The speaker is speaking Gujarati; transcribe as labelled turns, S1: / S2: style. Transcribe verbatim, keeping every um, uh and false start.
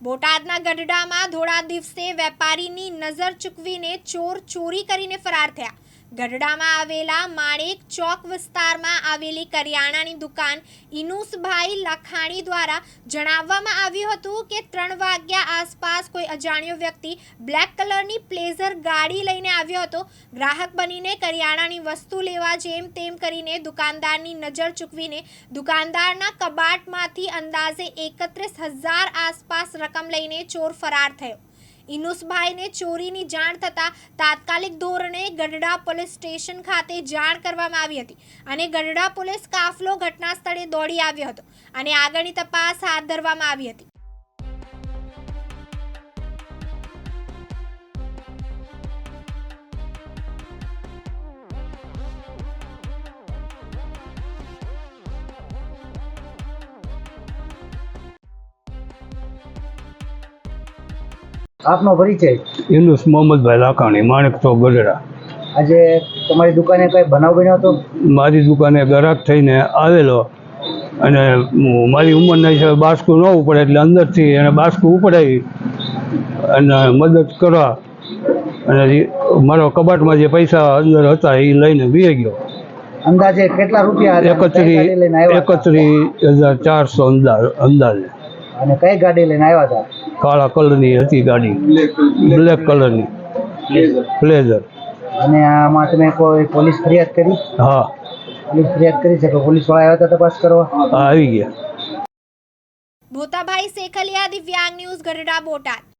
S1: બોટાદના ગઢડામાં ધોળા દિવસે વેપારીની નજર ચૂકવીને ચોર ચોરી કરીને ફરાર થયા। ગઢડામાં આવેલા માણેક ચોક વિસ્તારમાં આવેલી કરિયાણાની દુકાન ઇનુસભાઈ લખાણી દ્વારા જણાવવામાં આવ્યું હતું કે ત્રણ વાગ્યા આસપાસ કોઈ અજાણ્યો વ્યક્તિ બ્લેક કલરની પ્લેઝર ગાડી લઈને આવ્યો હતો। ગ્રાહક બનીને કરિયાણાની વસ્તુ લેવા જેમ તેમ કરીને દુકાનદારની નજર ચૂકવીને દુકાનદારના કબાટમાંથી અંદાજે એકત્રીસ હજાર આસપાસ રકમ લઈને ચોર ફરાર થયો। ઇનુસભાઈને ચોરીની જાણ થતાં તાત્કાલિક ધોરણે ગઢડા પોલીસ સ્ટેશન ખાતે જાણ કરવામાં આવી હતી અને ગઢડા પોલીસ કાફલો ઘટના સ્થળે દોડી આવ્યો હતો અને આગળની તપાસ હાથ ધરવામાં આવી હતી।
S2: આપનો પરિચય?
S3: ઇનુસ મોહમ્મદભાઈ લાખાણી, માણેક ચોક, ગઢડા।
S2: આજે તમારી દુકાને કઈ બનાવ બન્યો હતો?
S3: મારી દુકાને ગ્રાહક થઈને આવેલો અને મારી ઉંમરના હિસાબે બાસ્કું ન ઉપડે એટલે અંદરથી એને બાસ્કું ઉપડાવી અને મદદ કરવા અને મારો કબાટમાં જે પૈસા અંદર હતા એ લઈને વી ગયો।
S2: અંદાજે કેટલા રૂપિયા?
S3: એકત્રીસ એકત્રીસ હજાર ચારસો અંદાજે।
S2: અને કઈ ગાડી લઈને આવ્યા હતા?
S3: કાળા કલરની હતી ગાડી, બ્લેક કલરની પ્લેઝર।
S2: અને આમાં તમે કોઈ પોલીસ ફરિયાદ કરી?
S3: હા,
S2: પોલીસ ફરિયાદ કરી છે કે પોલીસ વાળા આવ્યા હતા તપાસ કરવા?
S3: હા, આવી ગયા।
S1: ભોતાભાઈ સેખલિયા, દિવ્યાંગ ન્યૂઝ, ગઢડા, બોટાદ।